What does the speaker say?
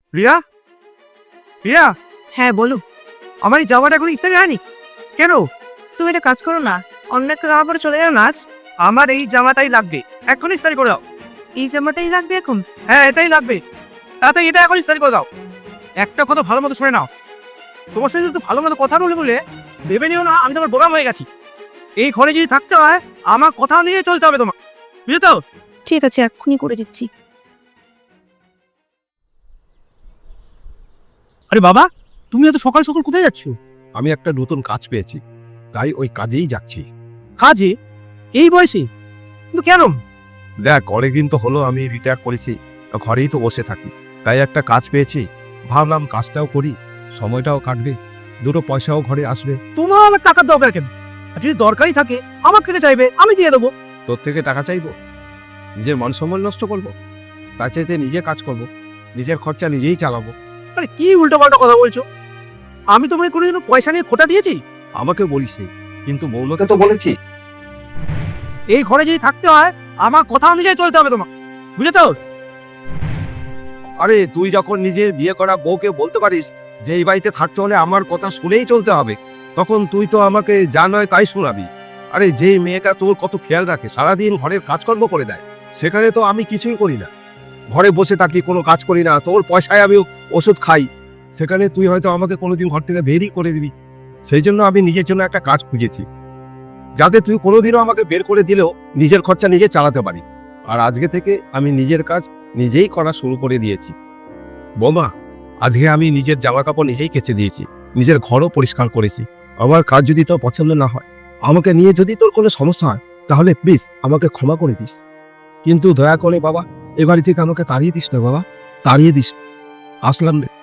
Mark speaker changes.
Speaker 1: রিয়া, রিয়া,
Speaker 2: হ্যাঁ বলুন।
Speaker 1: আমার এই জামাটা এখন ইস্ত্রি হয়নি কেন?
Speaker 2: তুমি একটা কাজ করো না, অন্য একটা জামা পরে চলে যাও না আজ।
Speaker 1: আমার এই জামাটাই লাগবে, এখন ইস্ত্রি করে দাও।
Speaker 2: এই জামাটাই লাগবে এখন?
Speaker 1: হ্যাঁ এটাই লাগবে, তাতে এটা এখন ইস্ত্রি করে দাও। একটা কথা ভালো মতো শুনে নাও, তোমার সাথে একটু ভালো মতো কথা বলে বলে ভেবে নিও না আমি তোমার বোকাম হয়ে গেছি। এই ঘরে যদি থাকতে হয় আমার কথা নিয়ে চলতে হবে তোমার, বুঝলে তো?
Speaker 2: ঠিক আছে, এক্ষুনি করে দিচ্ছি।
Speaker 1: আরে বাবা, তুমি এত সকাল সকাল কোথায় যাচ্ছ?
Speaker 3: আমি একটা নতুন কাজ পেয়েছি, তাই ওই কাজেই যাচ্ছি।
Speaker 1: কাজে? এই বয়সে? কিন্তু কেন?
Speaker 3: দেখ, অনেকদিন তো হলো আমি রিটায়ার করেছি, ঘরেই তো বসে থাকি, তাই একটা কাজ পেয়েছি। ভাবলাম কাজটাও করি, সময়টাও কাটবে, দুটো পয়সাও ঘরে আসবে।
Speaker 1: তোমার আমার টাকার দরকার কেন? আর যদি দরকারই থাকে আমার থেকে চাইবে, আমি দিয়ে দেবো।
Speaker 3: তোর থেকে টাকা চাইবো? নিজের মান সম্মান নষ্ট করবো? তার চাইতে নিজে কাজ করব, নিজের খরচা নিজেই চালাবো।
Speaker 1: আরে কি উল্টো পাল্টা কথা বলছো? আমি তোমায় কোনোদিনও পয়সা নিয়ে খোটা দিয়েছি?
Speaker 3: আমাকে বলিস নি, কিন্তু বৌমাকে তো বলেছি।
Speaker 1: এই ঘরে যদি থাকতে হয় আমার কথা অনুযায়ী চলতে হবে তোমার, বুঝেছো?
Speaker 3: আরে তুই যখন নিজে বিয়ে করা বউকে বলতে পারিস যে এই বাড়িতে থাকতে হলে আমার কথা শুনেই চলতে হবে, তখন তুই তো আমাকে যা নয় তাই শোনাবি। আরে যে মেয়েটা তোর কত খেয়াল রাখে, সারাদিন ঘরের কাজকর্ম করে দেয়, সেখানে তো আমি কিছুই করি না, ঘরে বসে থাকি, কোনো কাজ করি না, তোর পয়সায় আমি ওষুধ খাই, সেখানে তুই হয়তো আমাকে কোনোদিন ঘর থেকে বেরই করে দিবি। সেই জন্য আমি নিজের জন্য একটা কাজ খুঁজেছি, যাতে তুই কোনোদিনও আমাকে বের করে দিলেও নিজের খরচা নিজে চালাতে পারি। আর আজকে থেকে আমি নিজের কাজ নিজেই করা শুরু করে দিয়েছি। বৌমা, আজকে আমি নিজের জামা কাপড় নিজেই কেচে দিয়েছি, নিজের ঘরও পরিষ্কার করেছি। আমার কাজ যদি তোর পছন্দ না হয়, আমাকে নিয়ে যদি তোর কোনো সমস্যা হয়, তাহলে প্লিজ আমাকে ক্ষমা করে দিস, কিন্তু দয়া করে বাবা এ বাড়ি থেকে আমাকে তাড়িয়ে দিস না বাবা, তাড়িয়ে দিস। আসলাম রে।